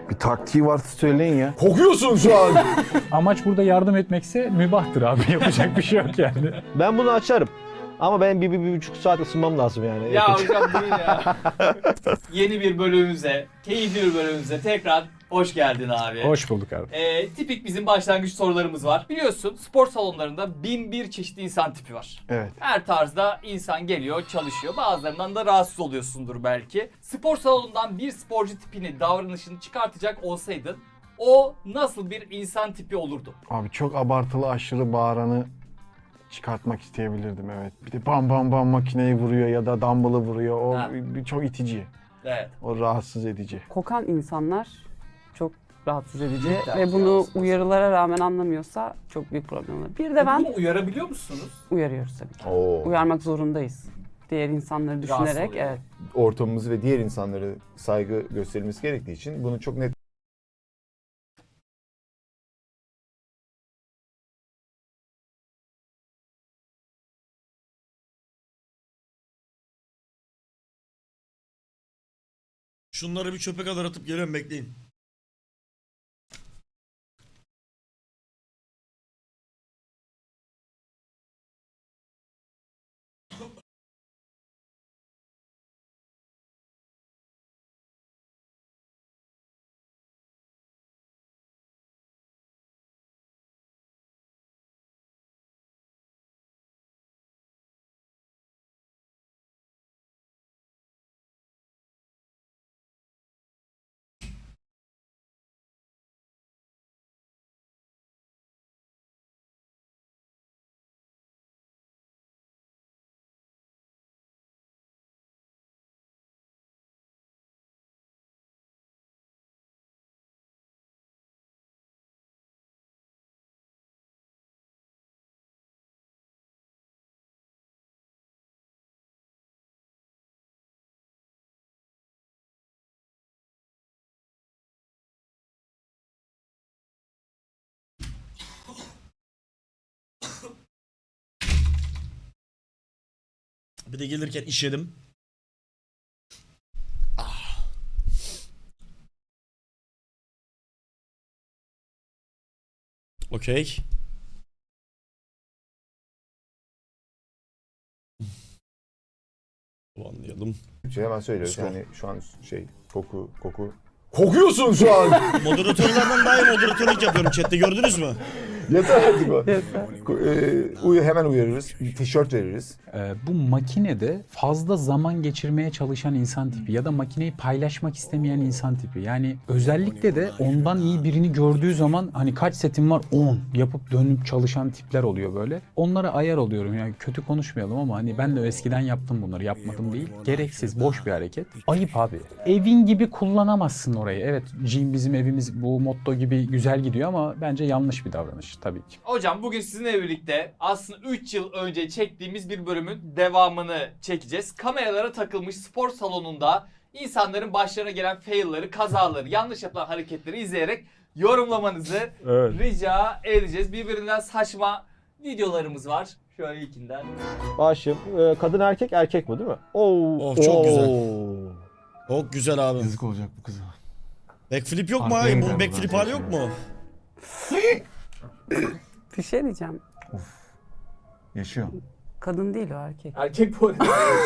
Bir taktiği varsa söyleyin ya. Kokuyorsun şu an. Amaç burada yardım etmekse mübahtır abi. Yapacak bir şey yok yani. Ben bunu açarım. Ama benim bir buçuk saat ısınmam lazım yani. Ya hocam değil ya. Yeni bir bölümümüze, keyifli bir bölümümüze tekrar hoş geldin abi. Hoş bulduk abi. Tipik bizim başlangıç sorularımız var. Biliyorsun spor salonlarında 1001 çeşitli insan tipi var. Evet. Her tarzda insan geliyor, çalışıyor. Bazılarından da rahatsız oluyorsundur belki. Spor salonundan bir sporcu tipini, davranışını çıkartacak olsaydın o nasıl bir insan tipi olurdu? Abi çok abartılı aşırı bağıranı çıkartmak isteyebilirdim, evet. Bir de bam bam bam makineyi vuruyor ya da dumbbell'ı vuruyor. O Ha. çok itici. Evet. O rahatsız edici. Kokan insanlar çok rahatsız edici ve Rahatsız. bunu uyarılara rağmen anlamıyorsa çok büyük problem olur. Bir de ben Bunu uyarabiliyor musunuz? uyarıyoruz tabii ki. Oo. Uyarmak zorundayız. Diğer insanları düşünerek, oluyor. evet. Ortamımızı ve diğer insanlara saygı gösterilmesi gerektiği için bunu çok net Şunları bir çöpe kadar atıp geliyorum, bekleyin. Bir de gelirken işedim. Ah. Okey. Anlayalım. hemen söylüyoruz. Skor. Yani şu an koku. Kokuyorsun şu an. Moderatörlerden daha iyi moderatörlük yapıyorum chatte, gördünüz mü? Yeter artık o. Hemen uyarırız. Tişört veririz. Bu makinede fazla zaman geçirmeye çalışan insan tipi ya da makineyi paylaşmak istemeyen insan tipi. Yani özellikle de ondan iyi birini gördüğü zaman hani kaç setim var 10 yapıp dönüp çalışan tipler oluyor böyle. Onlara ayar oluyorum, yani kötü konuşmayalım ama hani ben de eskiden yaptım bunları, yapmadım değil. Gereksiz, boş bir hareket. Ayıp abi. Evin gibi kullanamazsın orayı. Evet, gym bizim evimiz bu motto gibi güzel gidiyor ama bence yanlış bir davranış tabii ki. Hocam bugün sizinle birlikte aslında 3 yıl önce çektiğimiz bir bölümün devamını çekeceğiz. Kameralara takılmış spor salonunda insanların başlarına gelen fail'ları, kazaları, yanlış yapılan hareketleri izleyerek yorumlamanızı rica edeceğiz. Birbirinden saçma videolarımız var. Şöyle ilkinden. Başım. Kadın erkek, erkek bu değil mi? Oo. Çok güzel. Oo. Çok güzel abi. Yazık olacak bu kıza. Backflip yok mu Arkaya abi? gider Bu backflip bu hali zaten. yok mu? Bir şey diyeceğim. Yaşıyor. Kadın değil o, erkek. Erkek bu arada.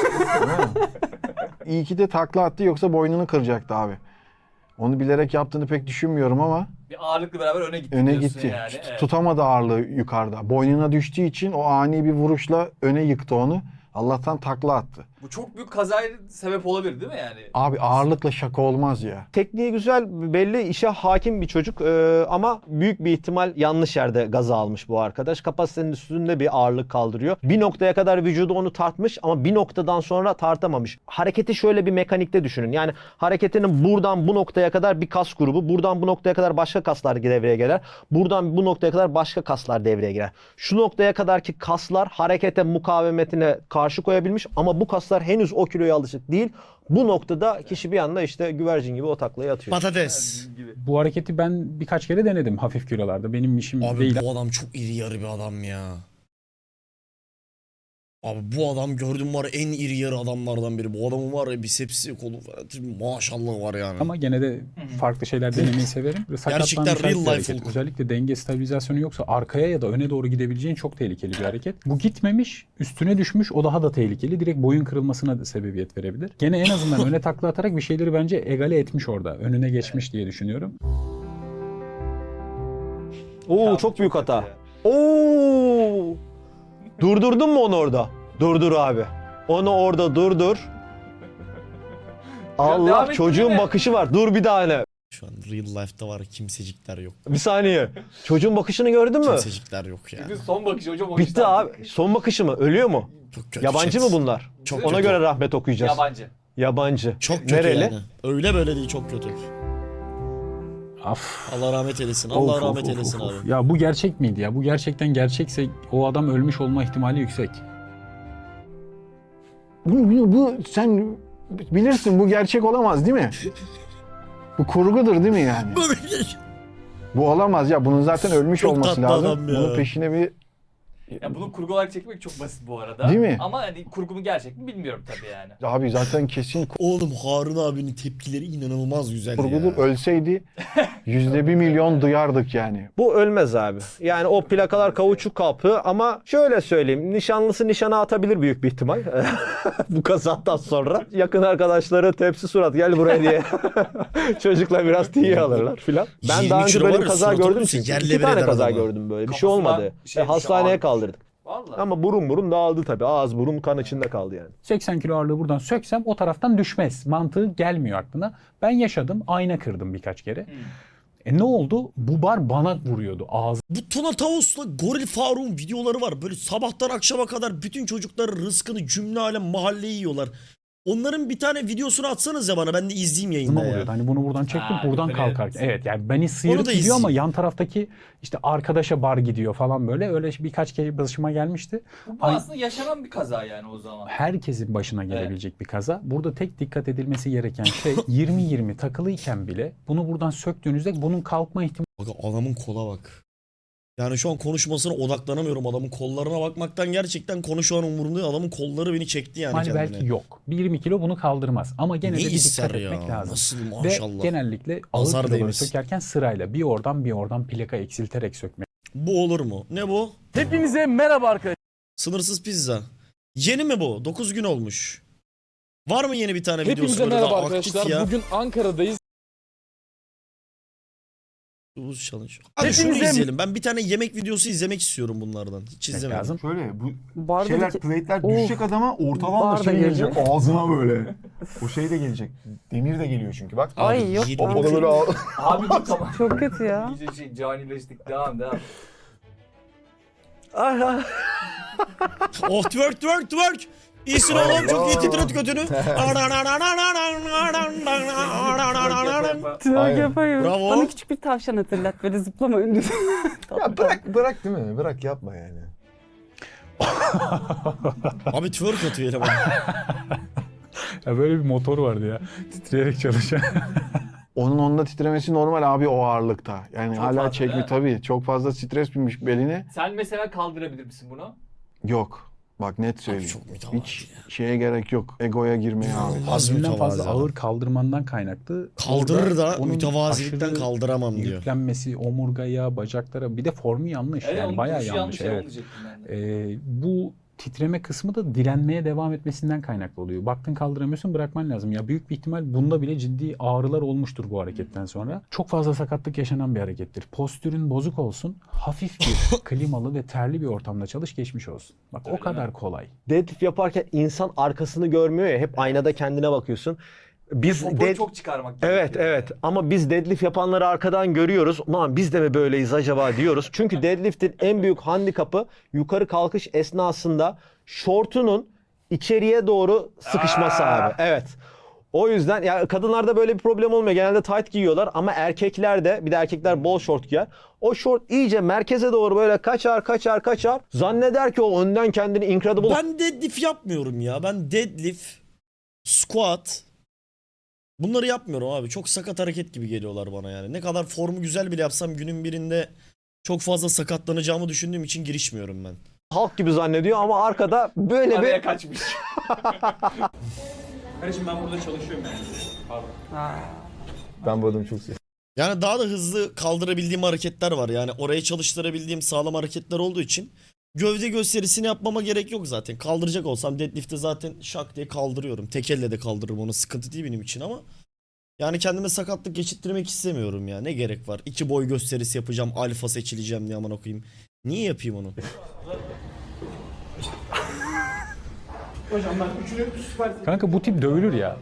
İyi ki de takla attı, yoksa boynunu kıracaktı abi. Onu bilerek yaptığını pek düşünmüyorum ama Bir ağırlıkla beraber öne gitti öne diyorsun gitti. yani. Evet. Tutamadı ağırlığı yukarıda. Boynuna düştüğü için o ani bir vuruşla öne yıktı onu. Allah'tan takla attı. Bu çok büyük kazaya sebep olabilir değil mi yani? Abi ağırlıkla şaka olmaz ya. Tekniği güzel, belli, işe hakim bir çocuk ama büyük bir ihtimal yanlış yerde gaza almış bu arkadaş. Kapasitenin üstünde bir ağırlık kaldırıyor. Bir noktaya kadar vücudu onu tartmış ama bir noktadan sonra tartamamış. Hareketi şöyle bir mekanikte düşünün. Yani hareketinin buradan bu noktaya kadar bir kas grubu, buradan bu noktaya kadar başka kaslar devreye girer. Buradan bu noktaya kadar başka kaslar devreye girer. Şu noktaya kadarki kaslar harekete mukavemetine karşı koyabilmiş ama bu kaslar henüz o kiloya alışık değil. Bu noktada kişi bir anda işte güvercin gibi o taklayı atıyor. Patates. Bu hareketi ben birkaç kere denedim hafif kilolarda. Benim işim Abi değil. bu adam çok iri yarı bir adam ya. Abi bu adam gördüm var ya, en iri yarı adamlardan biri. Bu adamın var ya bisepsi, kolu falan, maşallah var yani. Ama gene de farklı şeyler denemeyi severim. Sakatlanmış Gerçekten real bir life hareket. Hulk. Özellikle denge stabilizasyonu yoksa arkaya ya da öne doğru gidebileceğin çok tehlikeli bir hareket. Bu gitmemiş, üstüne düşmüş, o daha da tehlikeli. Direkt boyun kırılmasına da sebebiyet verebilir. Gene en azından öne takla atarak bir şeyleri bence egale etmiş orada. Önüne geçmiş diye düşünüyorum. Oo çok büyük hata. Oo! Durdurdun mu onu orada? Durdur abi. Onu orada durdur. devam Allah ettin çocuğun mi? bakışı var. Dur bir tane. Şu an real life'da var kimsecikler yok. Bir saniye. Çocuğun bakışını gördün mü? Kimsecikler yok yani. Çünkü son bakışı hocam o Bitti yüzden abi. tek- Son bakışı mı? Ölüyor mu? Çok kötü Yabancı chat. mı bunlar? Çok Ona kötü. göre rahmet okuyacağız. Yabancı. Yabancı. Çok kötü Nereli? yani. Öyle böyle değil, çok kötü. Af. Allah rahmet eylesin. Allah Of, rahmet of, of, eylesin of, abi. of. Ya bu gerçek miydi ya? Bu gerçekten gerçekse o adam ölmüş olma ihtimali yüksek. Bu sen bilirsin, bu gerçek olamaz değil mi? Bu kurgudur değil mi yani? Bu olamaz ya. Bunun zaten ölmüş Çok olması tatlı lazım. adam ya. Bunun peşine bir Ya bunu kurgu olarak çekmek çok basit bu arada. Değil mi? Ama hani kurgu mu gerçek mi bilmiyorum tabii yani. abi zaten kesin Oğlum Harun abinin tepkileri inanılmaz güzel kurgudur. ya. Ölseydi %1 milyon duyardık yani. Bu ölmez abi. Yani o plakalar kauçuk kapı ama şöyle söyleyeyim. Nişanlısı nişana atabilir büyük bir ihtimal. Bu kazadan sonra. Yakın arkadaşları tepsi surat gel buraya diye. Çocuklar biraz tiye alırlar filan. Ben 20 daha önce kilo böyle var bir ya, kaza suratı gördüm olursa çünkü. yerle 2 bir tane eder kaza adamı. gördüm böyle. Bir şey Kafasına olmadı. şey Hastaneye düşüyor, kaldırdık. Vallahi. Ama burun dağıldı tabii. Ağız burun kan içinde kaldı yani. 80 kilo ağırlığı buradan söksem o taraftan düşmez. Mantığı gelmiyor aklına. Ben yaşadım. Ayna kırdım birkaç kere. Ne oldu? Bu bar bana vuruyordu. Bu Tuna Tavus'la Goril Faruk'un videoları var. Böyle sabahtan akşama kadar bütün çocukların rızkını cümle alem mahalleyi yiyorlar. Onların bir tane videosunu atsanız ya bana, ben de izleyeyim Ağzıma yayında vuruyordu. ya. Hani bunu buradan çektim, Ha, buradan öyle kalkarken. evet. Evet yani beni Onu sıyırıp da gidiyor ama izleyeyim. yan taraftaki işte arkadaşa bar gidiyor falan böyle. Öyle birkaç kere başıma gelmişti. Bu aslında yaşanan bir kaza yani o zaman. Herkesin başına gelebilecek bir kaza. Burada tek dikkat edilmesi gereken şey 20-20 takılıyken bile bunu buradan söktüğünüzde bunun kalkma ihtimali Bak adamın kola bak. Yani şu an konuşmasına odaklanamıyorum. Adamın kollarına bakmaktan gerçekten konu şu an umurumda değil. Adamın kolları beni çekti yani kendine. belki yok. Bir 20 kilo bunu kaldırmaz. Ama gene Ne de bir ister dikkat ya? etmek lazım. Nasıl Ve maşallah. genellikle ağır Nazar kiloları değmesin. sökerken sırayla bir oradan plaka eksilterek sökmek Bu olur mu? Ne bu? Hepinize merhaba arkadaşlar. Sınırsız pizza. Yeni mi bu? 9 gün olmuş. Var mı yeni bir tane videosu Hepinize böyle merhaba daha aktif arkadaşlar. ya? Bugün Ankara'dayız. Buz challenge. Abi şunu Hepinize- izleyelim. Ben bir tane yemek videosu izlemek istiyorum bunlardan. Hiç izlemedim. lazım. Şöyle bu Barda şeyler, bir- plate'ler Of. düşecek adama ortadan da Barda şey gelecek gelecek. ağzına böyle. O şey de gelecek. Demir de geliyor çünkü bak. Abi, Ay, yok. 20 O da böyle Abi dur tamam. Çok kötü ya. İyice şey canileştik. Devam. Oh twerk. İyisin oğlum, çok iyi titret götünü. Twerk Aynen. yapayım. Bravo. Bana küçük bir tavşan hatırlat. Böyle zıplama önünde. Ya bırak değil mi? Bırak yapma yani. Abi twerk atıyor eleman. Ya böyle bir motor vardı ya. Titreyerek çalışan. Onun onda titremesi normal abi o ağırlıkta. Yani Çok hala fazla, çekmi değil mi? tabii. Çok fazla stres binmiş beline. Sen mesela kaldırabilir misin bunu? Yok. Bak net Abi söyleyeyim. çok mütevazı Hiç ya. şeye gerek yok. Egoya girmeye abi. Az Haddinden fazla mütevazı adam. ağır kaldırmandan kaynaklı. Kaldırır Orada da onun mütevazilikten aşırı kaldıramam diyor. Yüklenmesi omurgaya, bacaklara bir de formu yanlış. Evet, Yani onun bayağı duruşu yanlış. Evet. onu diyecektim ben de. Bu titreme kısmı da direnmeye devam etmesinden kaynaklı oluyor. Baktın kaldıramıyorsun, brakman lazım. Ya büyük bir ihtimal bunda bile ciddi ağrılar olmuştur bu hareketten sonra. Çok fazla sakatlık yaşanan bir harekettir. Postürün bozuk olsun, hafif bir klimalı ve terli bir ortamda çalış, geçmiş olsun. Bak o kadar kolay. Deadlift yaparken insan arkasını görmüyor ya. Hep aynada kendine bakıyorsun. Biz Popoyu çok çıkarmak Evet evet ama biz deadlift yapanları arkadan görüyoruz. Ulan biz de mi böyleyiz acaba diyoruz. Çünkü deadlift'in en büyük handikapı yukarı kalkış esnasında şortunun içeriye doğru sıkışması abi. Evet. O yüzden ya kadınlarda böyle bir problem olmuyor. Genelde tight giyiyorlar ama erkeklerde, bir de erkekler bol şort giyer. O şort iyice merkeze doğru böyle kaçar. Zanneder ki o önden kendini incredible Ben deadlift yapmıyorum ya. Ben deadlift, squat bunları yapmıyorum abi. Çok sakat hareket gibi geliyorlar bana yani. Ne kadar formu güzel bile yapsam günün birinde çok fazla sakatlanacağımı düşündüğüm için girişmiyorum ben. halk gibi zannediyor ama arkada böyle Araya bir kaçmış. Kardeşim ben burada çalışıyorum yani. Pardon. Ben bu adamı çok seviyorum. Yani daha da hızlı kaldırabildiğim hareketler var. Yani oraya çalıştırabildiğim sağlam hareketler olduğu için gövde gösterisini yapmama gerek yok zaten. Kaldıracak olsam deadlift'te zaten şak diye kaldırıyorum. Tek elle de kaldırırım onu. Sıkıntı değil benim için ama yani kendime sakatlık geçirttirmek istemiyorum ya. Ne gerek var? 2 boy gösterisi yapacağım. Alfa seçileceğim diye aman okuyayım. Niye yapayım onu? Kanka bu tip dövülür ya.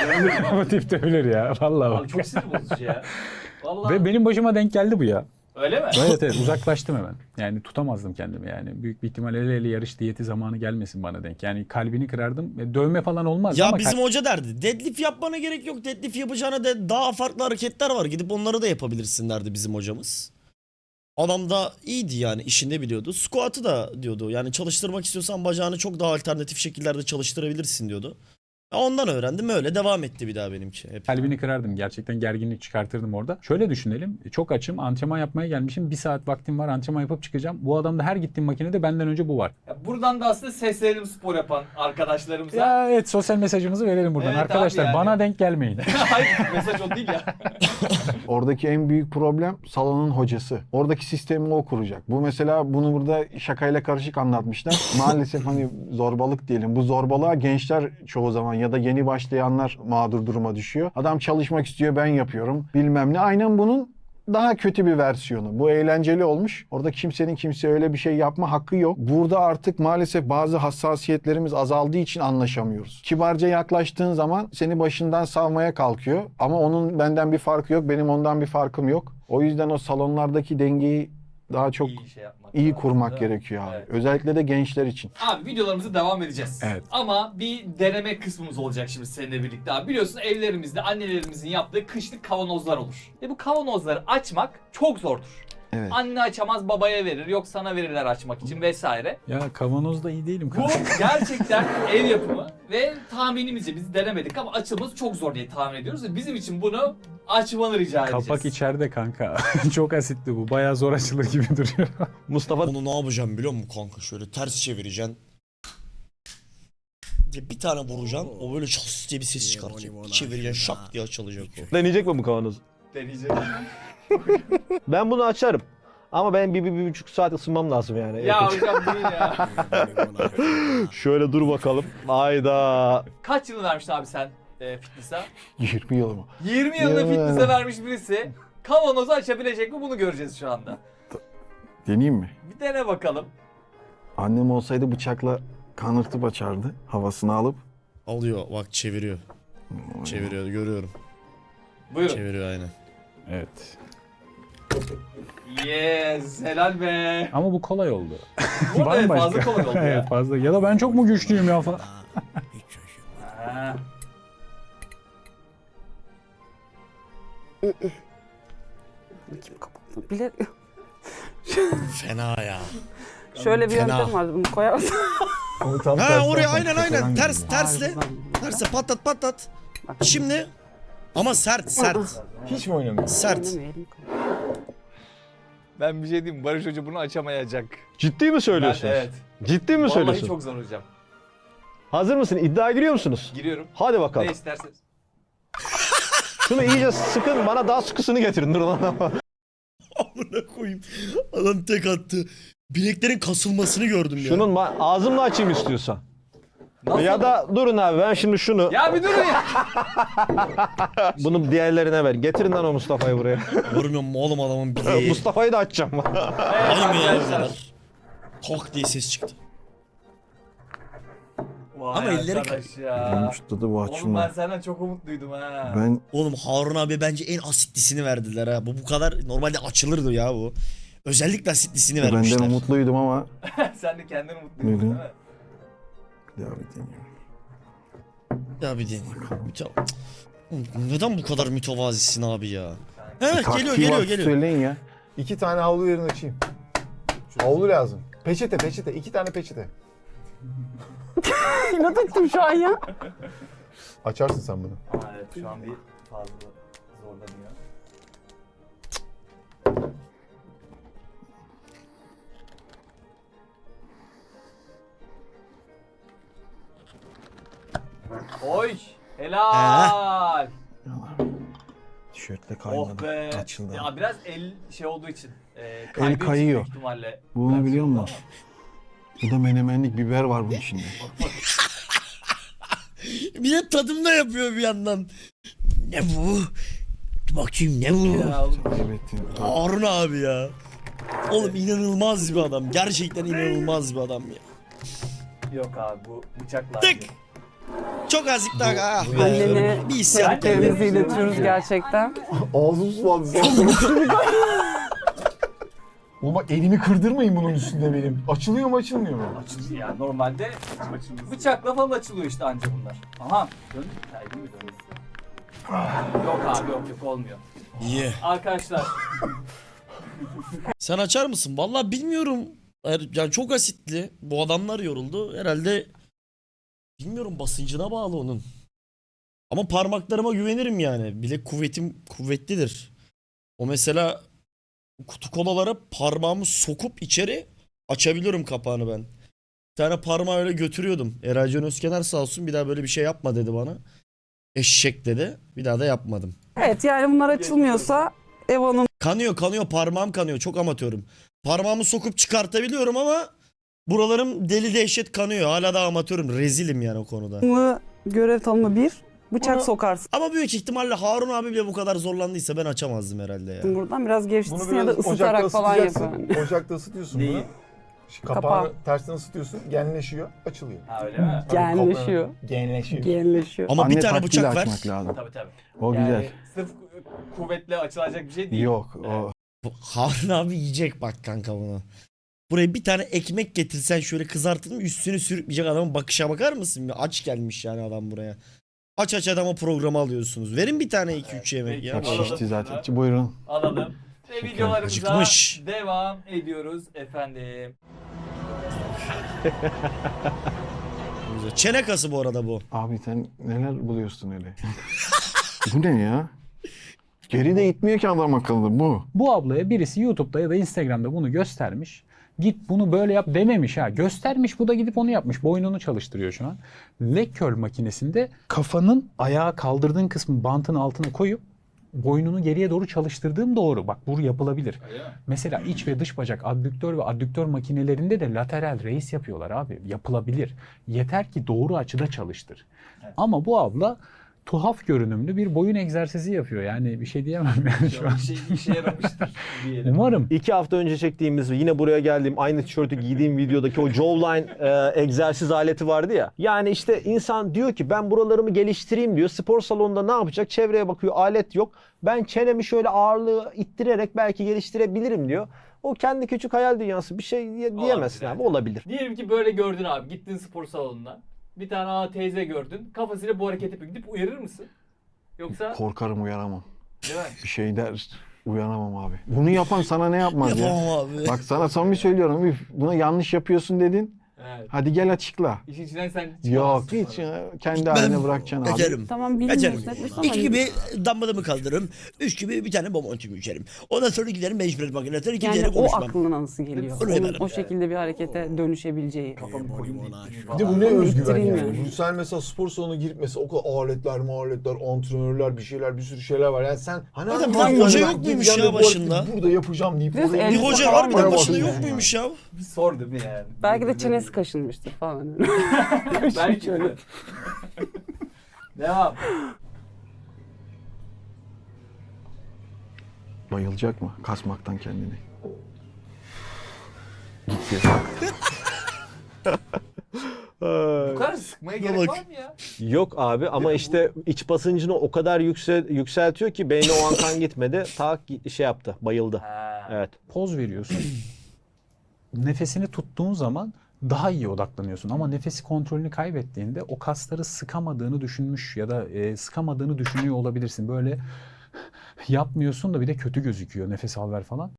Bu tip dövülür ya. Vallahi bak. Abi çok sinir bozucu ya. Vallahi. Ve benim başıma denk geldi bu ya. Öyle mi? Evet evet uzaklaştım hemen. Yani tutamazdım kendimi yani. Büyük bir ihtimal el ele yarış diyeti zamanı gelmesin bana denk. Yani kalbini kırardım. Dövme falan olmaz Ya ama bizim hoca derdi. Deadlift yapmana gerek yok. Deadlift yapacağına de daha farklı hareketler var. Gidip onları da yapabilirsin derdi bizim hocamız. Adam da iyiydi yani işinde biliyordu. Squat'ı da diyordu. Yani çalıştırmak istiyorsan bacağını çok daha alternatif şekillerde çalıştırabilirsin diyordu. Ondan öğrendim öyle devam etti bir daha benimki. Hep. kalbini kırardım. Gerçekten gerginlik çıkartırdım orada. Şöyle düşünelim. Çok açım. Antrenman yapmaya gelmişim. 1 saat vaktim var. Antrenman yapıp çıkacağım. Bu adamda her gittiğim makinede benden önce bu var. Ya buradan da aslında seslenelim spor yapan arkadaşlarımıza. Ya evet sosyal mesajımızı verelim buradan. Evet abi Arkadaşlar yani. bana denk gelmeyin. Hayır mesaj o değil ya. Oradaki en büyük problem salonun hocası. Oradaki sistemi o kuracak. Bu mesela bunu burada şakayla karışık anlatmışlar. Maalesef hani zorbalık diyelim. Bu zorbalığa gençler çoğu zaman ya da yeni başlayanlar mağdur duruma düşüyor. Adam çalışmak istiyor, ben yapıyorum bilmem ne. Aynen bunun daha kötü bir versiyonu. Bu eğlenceli olmuş. Orada kimsenin kimseye öyle bir şey yapma hakkı yok. Burada artık maalesef bazı hassasiyetlerimiz azaldığı için anlaşamıyoruz. Kibarca yaklaştığın zaman seni başından savmaya kalkıyor. Ama onun benden bir farkı yok, benim ondan bir farkım yok. O yüzden o salonlardaki dengeyi daha çok İyi şey yapmak iyi lazım, kurmak değil mi? gerekiyor abi. Evet. Özellikle de gençler için. Abi videolarımıza devam edeceğiz. Evet. Ama bir deneme kısmımız olacak şimdi seninle birlikte abi. Biliyorsun evlerimizde annelerimizin yaptığı kışlık kavanozlar olur. Ve bu kavanozları açmak çok zordur. Evet. Anne açamaz babaya verir, yok sana verirler açmak için vesaire. Ya kavanozda iyi değilim Bu kanka. gerçekten ev yapımı ve tahminimizce biz denemedik ama açılması çok zor diye tahmin ediyoruz ve bizim için bunu açmanı rica edeceğiz. Kapak içeride kanka. Çok asitli bu. Bayağı zor açılır gibi duruyor. Mustafa Onu ne yapacağım biliyor musun kanka? Şöyle ters çevireceksin. Diye bir tane vuracaksın. O böyle şas diye bir ses çıkartacak. Bir çevireceksin şak diye açılacak o. deneyecek mi bu kavanozu? Deneyeceğiz. Ben bunu açarım. Ama ben bir buçuk saat ısınmam lazım yani. Ya hocam değil ya. Şöyle dur bakalım. Hayda. Kaç yıl vermiştin abi sen fitness'a? 20 yıl mı? 20 yılını Ya. fitness'e vermiş birisi. Kavanozu açabilecek mi bunu göreceğiz şu anda. Deneyeyim mi? Bir dene bakalım. Annem olsaydı bıçakla kanırtıp açardı. Havasını alıp. Alıyor bak çeviriyor. Çeviriyor görüyorum. Buyurun. Çeviriyor aynen. Evet. Yes, helal be. Ama bu kolay oldu. Bu arada Bambaşka. fazla kolay oldu ya. Evet fazla. Ya da ben çok mu güçlüyüm ya falan. Ha. Kim kapattı? Bile Fena ya. şöyle bir Fena. yöntem var. Bunu koyarsın. Onu tam Ha tersi oraya yapmak aynen çok aynen. önemli Ters yani. tersle. Terse patlat patlat. Şimdi ama sert sert. Hiç mi oynamıyorsun? Sert. Oynamayalım. Ben bir şey diyeyim mi? Barış Hoca bunu açamayacak. Ciddi mi söylüyorsunuz? Evet. Ciddi mi Vallahi söylüyorsun? çok zor hocam. Hazır mısın? İddiaya giriyor musunuz? Giriyorum. Hadi bakalım. Ne isterseniz. Şunu iyice sıkın. Bana daha sıkısını getirin. Dur lan. Amına koyayım. Adam tek attı. Bileklerin kasılmasını gördüm ya. Şunun ağzımla açayım istiyorsan. Nasıl? Ya da durun abi ben şimdi şunu Ya bir durun ya. bunu diğerlerine ver. Getirin lan o Mustafa'yı buraya. Görmüyor musun oğlum adamın bileği? Mustafa'yı da açacağım. Aynı ya o Arkadaşlar. kadar. Tok diye ses çıktı. Vay Ama elleri arkadaş ya. Benim şu tadı bu Oğlum ben açılma. senden çok umutluydum ha. Ben Oğlum Harun abi bence en asitlisini verdiler ha. Bu kadar normalde açılırdı ya bu. Özellikle asitlisini vermişler. benden umutluydum ama Sen de kendini umutluydun Hı hı. değil mi? bir daha bir deneyeyim. Ya bir deneyim. Neden bu kadar mütevazisin abi ya? Evet Taktiği geliyor varsa geliyor. Söyleyin ya. 2 tane havlu verin açayım. Havlu lazım. Peçete. 2 tane peçete. İnat ettim şu an ya. Açarsın sen bunu. Ama evet şu an bir fazla zorlanıyor. Oy. Helal. Tişörtle Oh kaymadı. be. Açıldı. Ya biraz el şey olduğu için. El kayıyor. Büyük ihtimalle. Bunu biliyor musun? Bu da menemenlik biber var bunun içinde. Bir de tadımda yapıyor bir yandan. Ne bu? Bakayım ne bu? Ya oğlum, Kaybettim. Harun abi ya. Oğlum inanılmaz bir adam. Gerçekten inanılmaz bir adam ya. yok abi bu bıçaklar. Tık! Çok azıcık daha. Ah be. Annene Bir isyan geldi. sevgilerimizi iletiyoruz gerçekten. Ağzım sulandı. Oğlum bak elimi kırdırmayın bunun üstünde benim. Açılıyor mu açılmıyor mu? Açılıyor yani normalde bıçakla falan açılıyor işte anca bunlar. Aha dön. Ya, elim mi dönüyor? Yok abi yok olmuyor. İyi. Arkadaşlar Sen açar mısın? Vallahi bilmiyorum. Yani çok asitli. Bu adamlar yoruldu. Herhalde bilmiyorum, basıncına bağlı onun. Ama parmaklarıma güvenirim yani. Bilek kuvvetim kuvvetlidir. O mesela kutu kolalara parmağımı sokup içeri açabiliyorum kapağını ben. Bir tane parmağı öyle götürüyordum. Eray Can Özkener sağ olsun, bir daha böyle bir şey yapma dedi bana. Eşek dedi. Bir daha da yapmadım. Evet yani bunlar açılmıyorsa ev hanımı Kanıyor parmağım kanıyor, çok amatörüm. Parmağımı sokup çıkartabiliyorum ama buralarım deli dehşet kanıyor. Hala da amatörüm, rezilim yani o konuda. görev tanımı 1. Bıçak sokarsın Ama büyük ihtimalle Harun abi bile bu kadar zorlandıysa ben açamazdım herhalde ya. buradan. Biraz Bunu gevşetirsin ya da biraz ısıtarak ocakta falan yap ısıtacaksın. yani. Ocakta ısıtıyorsun Neyi? bunu. Kapağını tersten ısıtıyorsun, genleşiyor, açılıyor. ha öyle mi? Genleşiyor. Genleşiyor. Genleşiyor. Ama bir Anne tane taktiğiyle bıçak ver. açmak lazım. Tabii. O Yani güzel. sırf kuvvetle açılacak bir şey değil. Yok o. Harun abi yiyecek bak kanka bunu. Buraya bir tane ekmek getirsen şöyle kızartın, üstünü sürükleyecek adamın bakışa bakar mısın? Aç gelmiş yani adam buraya. Aç adama programı alıyorsunuz. Verin bir tane 2-3 yemek ya. Bak Alalım. şişti zaten. Buyurun. Alalım. Ve videolarımıza Acıkmış. devam ediyoruz efendim. Çene kası bu arada bu. Abi sen neler buluyorsun öyle? Bu ne ya? Geri de itmiyor ki adam akıllı bu. Bu ablaya birisi YouTube'da ya da Instagram'da bunu göstermiş. Git bunu böyle yap dememiş ha. Göstermiş, bu da gidip onu yapmış. Boynunu çalıştırıyor şu an. Leg curl makinesinde kafanın ayağa kaldırdığın kısmı bantın altına koyup boynunu geriye doğru çalıştırdığım doğru. Bak bu yapılabilir. Öyle mi? Mesela iç ve dış bacak abdüktör ve adduktör makinelerinde de lateral raise yapıyorlar abi. Yapılabilir. Yeter ki doğru açıda çalıştır. Ama bu abla tuhaf görünümlü bir boyun egzersizi yapıyor. Yani bir şey diyemem yani şu an. Bir şey işe yaramıştır diyelim. Umarım. 2 hafta önce çektiğimiz, yine buraya geldiğim, aynı tişörtü giydiğim videodaki o jawline egzersiz aleti vardı ya. Yani işte insan diyor ki ben buralarımı geliştireyim diyor. Spor salonunda ne yapacak? Çevreye bakıyor, alet yok. Ben çenemi şöyle ağırlığı ittirerek belki geliştirebilirim diyor. O kendi küçük hayal dünyası, bir şey diyemezsin Olabilir abi, olabilir. Diyelim ki böyle gördün abi. Gittin spor salonuna. Bir tane teyze gördün. Kafasıyla bu hareketi yapıyor. Gidip uyarır mısın? Yoksa Korkarım uyaramam. değil mi? Bir şey der uyanamam abi. Bunu yapan sana ne yapmaz ya? Yapamam abi. Bak sana samimi söylüyorum. Üf, buna yanlış yapıyorsun dedin. Evet. Hadi gel açıkla. İşin içinden sen Yok çıkamazsın hiç sonra. ya, kendi haline bırakacaksın abi. Kaçarım. Tamam Kaçarım. bilmiyoruz etmiş ama 2 gibi dumbbellımı kaldırırım. 3 gibi bir tane bomontumu içerim. Ondan sonra giderim bench press makinesine, yani kimseyle o konuşmam. aklına nasıl geliyor? Onu Onun yaparım. o şekilde bir harekete dönüşebileceği. Kafamı koyayım deyip Bir de bu ne Ama özgüven ittireyim yani. yani. Sen mesela spor salonuna girip mesela o kadar aletler, antrenörler, bir şeyler, bir sürü şeyler var. Yani sen hani Zaten hangi bir hoca ben yok muymuş gideceğim ya ve bu hareketi başında? Burada yapacağım deyip Biraz oraya Bir elbise hoca falan harbiden var. başında yok Yani. muymuş ya? bir sor değil mi yani? Belki de çenesi kaşınmıştır falan. Belki de. Devam. Bayılacak mı? Kasmaktan kendini. Gitti. Bu kadar sıkmaya gerek bak. var mı ya? Yok abi, ama işte iç basıncını o kadar yükseltiyor ki beyne o an kan gitmedi. Ta şey yaptı, bayıldı. Ha. Evet. Poz veriyorsun. Nefesini tuttuğun zaman daha iyi odaklanıyorsun. Ama nefesi kontrolünü kaybettiğinde o kasları sıkamadığını düşünmüş ya da sıkamadığını düşünüyor olabilirsin. Böyle yapmıyorsun da bir de kötü gözüküyor. Nefes al ver falan.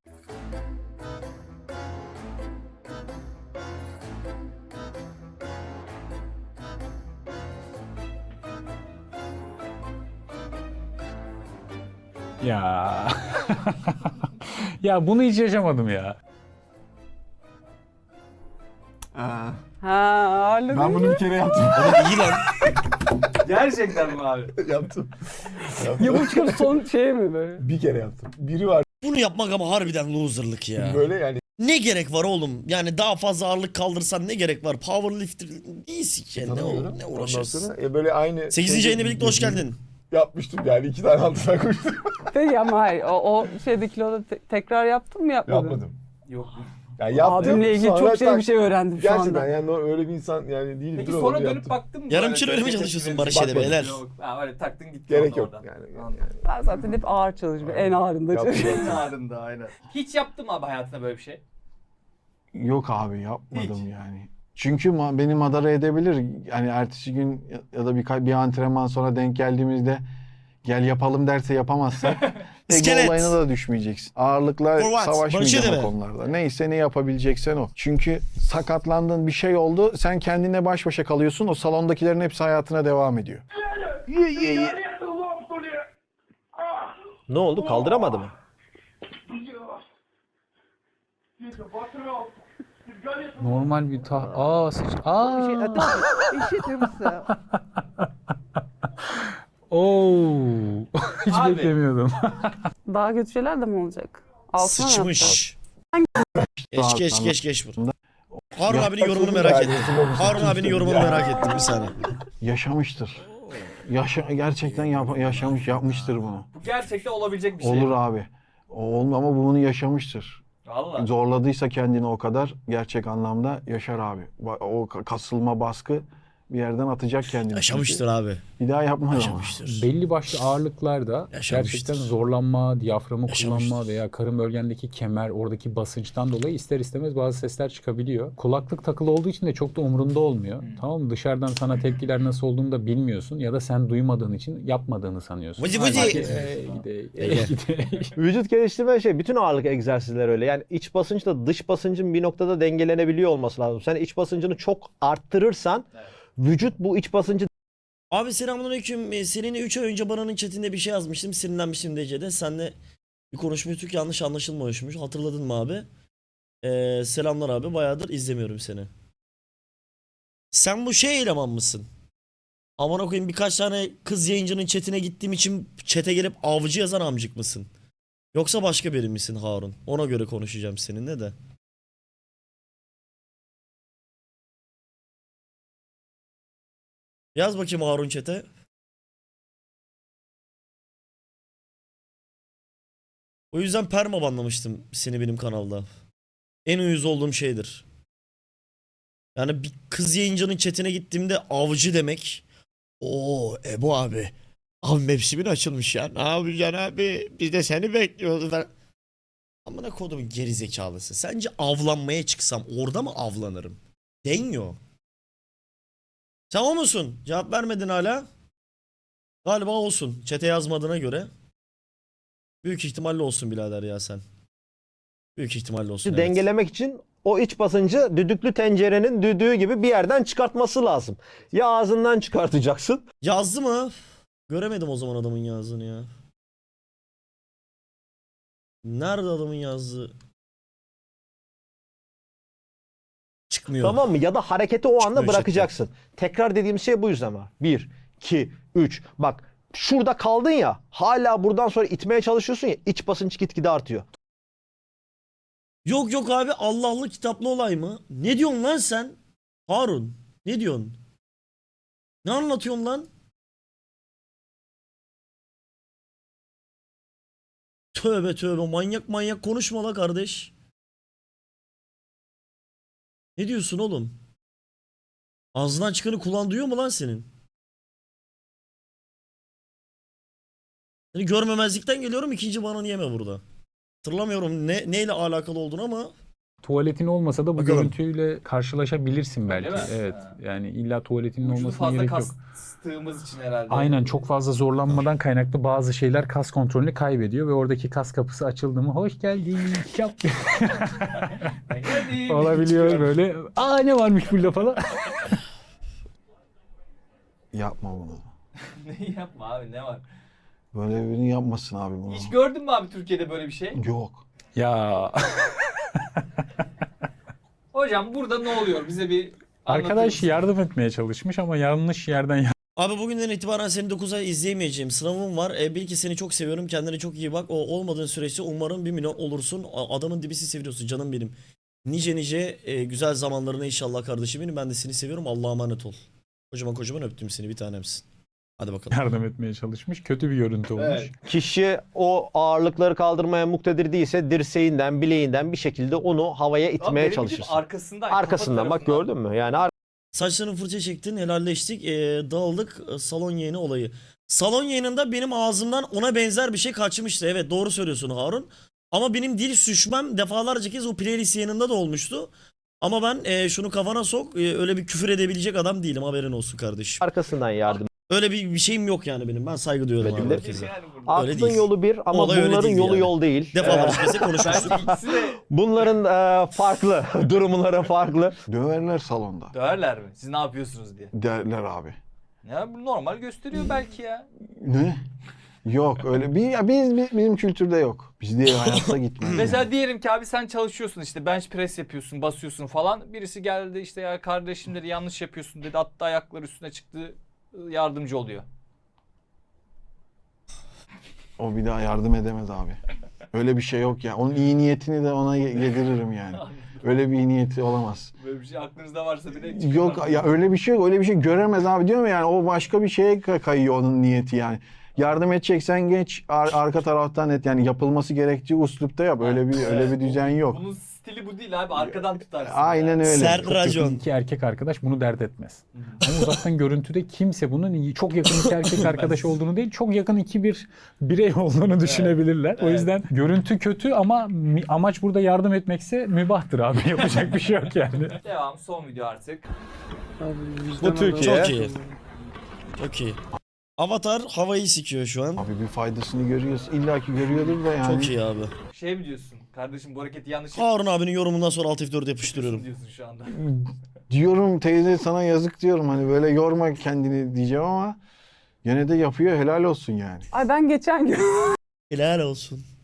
Ya. Ya bunu hiç yaşamadım ya. Ha ağırlık. Ben bunu bir kere yaptım. Oğlum iyi lan. Gerçekten mi abi? Yaptım. Ya bu çıkıp son şey mi böyle? Bir kere yaptım. Biri var Bunu yapmak ama harbiden loserlık ya. böyle yani Ne gerek var oğlum? Yani daha fazla ağırlık kaldırsan ne gerek var? Powerlifter değilsin ki. tanımıyorum. Ne Ondan uğraşırsın? sonra böyle aynı 8. yayına birlikte hoş geldin. yapmıştım yani 2 tane altına koştum. Peki ama hayır. O şeyde kiloda tekrar yaptın mı yapmadın? Yapmadım. Yok. Yani yaptım. Abimle ilgili sonra çok şey bir tak- şey öğrendim şu anda. Gerçekten yani öyle bir insan yani değilim. Peki sonra dönüp baktın mı? Yarım böyle? kilo öyle mi Tepki çalışıyorsun tepki Barış Ede Bakmadım. beyler? Yok. Ha, öyle taktın gittin Gerek yok oradan. yani. Anladım. Ben zaten hep ağır çalışıyorum. En ağırında Yaptım. çalışıyorum. En ağrında aynen. Hiç yaptın mı abi hayatında böyle bir şey? Yok abi yapmadım Hiç. yani. Çünkü beni madara edebilir. Yani ertesi gün ya da bir antrenman sonra denk geldiğimizde gel yapalım derse yapamazsak ego İskelet. olayına da düşmeyeceksin. Ağırlıkla For what? savaşmayacaksın Barış o Ede mi? konularda. Neyse ne yapabileceksen o. Çünkü sakatlandın bir şey oldu. Sen kendine baş başa kalıyorsun. O salondakilerin hepsi hayatına devam ediyor. Ne oldu? Kaldıramadı mı? Normal bir Oo. Hiç Abi. beklemiyordum. Daha kötü şeyler de mi olacak? Altına mı yapacağız? Sıçmış. Rahat Geç bur. Harun abinin yorumunu Açıldı merak yani, ettim. ısınmamış. Harun abinin yorumunu merak ettim bir saniye. Yaşamıştır. Gerçekten yaşamış, yapmıştır bunu. Bu gerçekten olabilecek bir şey. Olur abi. Ama bunu yaşamıştır. Valla. Zorladıysa kendini o kadar gerçek anlamda yaşar abi. O kasılma baskı bir yerden atacak kendini. Yaşamıştır abi. Bir daha yapmaz ama. Yaşamıştır. Belli başlı ağırlıklarda Yaşamıştır. gerçekten zorlanma, diyaframı Yaşamıştır. kullanma veya karın bölgendeki kemer, oradaki basınçtan dolayı ister istemez bazı sesler çıkabiliyor. Kulaklık takılı olduğu için de çok da umurunda olmuyor. Tamam mı? Dışarıdan sana tepkiler nasıl olduğunu da bilmiyorsun ya da sen duymadığın için yapmadığını sanıyorsun. Vıcı Halbuki, vıcı. gide. Vücut geliştirme şey, bütün ağırlık egzersizleri öyle. Yani iç basınçla dış basıncın bir noktada dengelenebiliyor olması lazım. Sen iç basıncını çok arttırırsan vücut bu iç basıncı Abi selamünaleyküm. Seninle 3 ay önce Baran'ın chatinde bir şey yazmıştım. Sinirlenmiştim DC'de. Seninle bir konuşmuştuk. Yanlış anlaşılmamışmış. Hatırladın mı abi? Selamlar abi. Bayağıdır izlemiyorum seni. Sen bu şey eleman mısın? Aman okuyayım, birkaç tane kız yayıncının chatine gittiğim için chat'e gelip avcı yazan amcık mısın? Yoksa başka biri misin Harun? Ona göre konuşacağım seninle de. Yaz bakayım Harun chat'e. O yüzden perma banlamıştım seni benim kanalda. En uyuz olduğum şeydir. Yani bir kız yayıncının chatine gittiğimde avcı demek. Oo Ebu abi. Abi mevsimin açılmış ya. Ne yapacaksın abi? Biz de seni bekliyoruz. Amına kodumun geri zekalısı. Sence avlanmaya çıksam orada mı avlanırım? Deniyor. Sen o musun? Cevap vermedin hala. Galiba olsun. Çete yazmadığına göre. Büyük ihtimalle olsun birader ya sen. Büyük ihtimalle olsun. Evet. dengelemek için o iç basıncı düdüklü tencerenin düdüğü gibi bir yerden çıkartması lazım. Ya ağzından çıkartacaksın. Yazdı mı? Göremedim o zaman adamın yazdığını ya. Nerede adamın yazdığı? Çıkmıyor. Tamam mı? Ya da hareketi o anda Çıkmıyor bırakacaksın. Tekrar dediğim şey bu yüzden var. 1, 2, 3. Bak şurada kaldın ya. Hala buradan sonra itmeye çalışıyorsun ya. İç basınç gitgide artıyor. Yok yok abi, Allah'lı kitaplı olay mı? Ne diyorsun lan sen? Harun ne diyorsun? Ne anlatıyorsun lan? Tövbe tövbe, manyak manyak konuşma la kardeş. Ne diyorsun oğlum? Ağzından çıkanı kulağın duyuyor mu lan senin? Seni görmemezlikten geliyorum, ikinci bananı yeme burada. Hatırlamıyorum neyle alakalı olduğunu ama Tuvaletin olmasa da bu Bakalım. görüntüyle karşılaşabilirsin belki. Değil mi? Evet. Ha. Yani illa tuvaletinin Vücudu olmasına fazla gerek yok. kastığımız için herhalde. Aynen, çok fazla zorlanmadan kaynaklı bazı şeyler kas kontrolünü kaybediyor ve oradaki kas kapısı açıldı mı hoş geldin yap Hadi, olabiliyor çıkıyor. böyle. Aa ne varmış burada falan. Yapma bunu. Ne yapma abi, ne var? Böyle birini yapmasın abi bunu. Hiç gördün mü abi Türkiye'de böyle bir şey? Yok. Ya Hocam burada ne oluyor? Bize bir anlatır arkadaş mısın? yardım etmeye çalışmış ama yanlış yerden Abi bugünden itibaren seni 9 ay izleyemeyeceğim. Sınavım var. Bil ki seni çok seviyorum. Kendine çok iyi bak. O olmadığın süreçte umarım 1 milyon olursun. Adamın dibisi seviyorsun canım benim. Nice güzel zamanlarına inşallah kardeşim benim. Ben de seni seviyorum. Allah'a emanet ol. Kocaman öptüm seni, bir tanemsin. Hadi bakalım. Yardım etmeye çalışmış. Kötü bir görüntü olmuş. Evet. Kişi o ağırlıkları kaldırmaya muktedir değilse dirseğinden, bileğinden bir şekilde onu havaya Ama itmeye benim çalışırsın. bildiğim arkasından. Arkasından bak, gördün mü? Yani Saçlarını fırça çektin, helalleştik, dağıldık, salon yayını olayı. Salon yayınında benim ağzımdan ona benzer bir şey kaçmıştı. Evet, doğru söylüyorsun Harun. Ama benim dil sürçmem defalarca kez o playlist yayınında da olmuştu. Ama ben şunu kafana sok, öyle bir küfür edebilecek adam değilim, haberin olsun kardeşim. arkasından yardım Öyle bir şeyim yok yani benim. Ben saygı duyuyorum abi Edilir. herkese. Yani burada. Öyle Aklın değil. yolu bir ama Olay öyle bunların değil yolu yani. yol değil. Defalarca kez de konuşmuştuk. Belki ikisi de Bunların farklı, durumları farklı. Döverler salonda. döverler mi? Siz ne yapıyorsunuz diye. Derler abi. Ya bu normal gösteriyor belki ya. Ne? Yok öyle bir ya bizim kültürde yok. Bizde hayatta gitmez. Mesela diyelim ki abi sen çalışıyorsun işte bench press yapıyorsun, basıyorsun falan. Birisi geldi işte ya kardeşim dedi yanlış yapıyorsun dedi. Hatta ayakları üstüne çıktı, yardımcı oluyor. O bir daha yardım edemez abi. Öyle bir şey yok ya. Onun iyi niyetini de ona yediririm yani. Öyle bir iyi niyeti olamaz. Böyle bir şey aklınızda varsa bile Yok ya öyle bir şey yok. Öyle bir şey göremez abi diyorum ya, yani o başka bir şeye kayıyor onun niyeti yani. Yardım edeceksen geç arka taraftan et, yani yapılması gerektiği uslupta yap. Öyle bir düzen yok. Bunun stili bu değil abi, arkadan tutarsın. Aynen öyle. Ser Çok yakın racon. iki erkek arkadaş bunu dert etmez. Ama uzaktan görüntüde kimse bunun çok yakın iki erkek arkadaş olduğunu değil, çok yakın bir birey olduğunu düşünebilirler. O yüzden görüntü kötü ama amaç burada yardım etmekse mübahtır abi. Yapacak bir şey yok yani. Devam, son video artık. Bu Türkiye. Çok iyi. Çok iyi. Avatar havayı sikiyor şu an. Abi bir faydasını görüyoruz. İlla ki görüyordur da yani. Çok iyi abi. Şey mi diyorsun? Kardeşim bu hareketi yanlış Harun abinin yorumundan sonra Alt F4 yapıyorsun yapıştırıyorum. diyorsun şu anda. Diyorum teyze sana yazık diyorum, hani böyle yorma kendini diyeceğim ama gene de yapıyor, helal olsun yani. Ay ben geçen gün Helal olsun.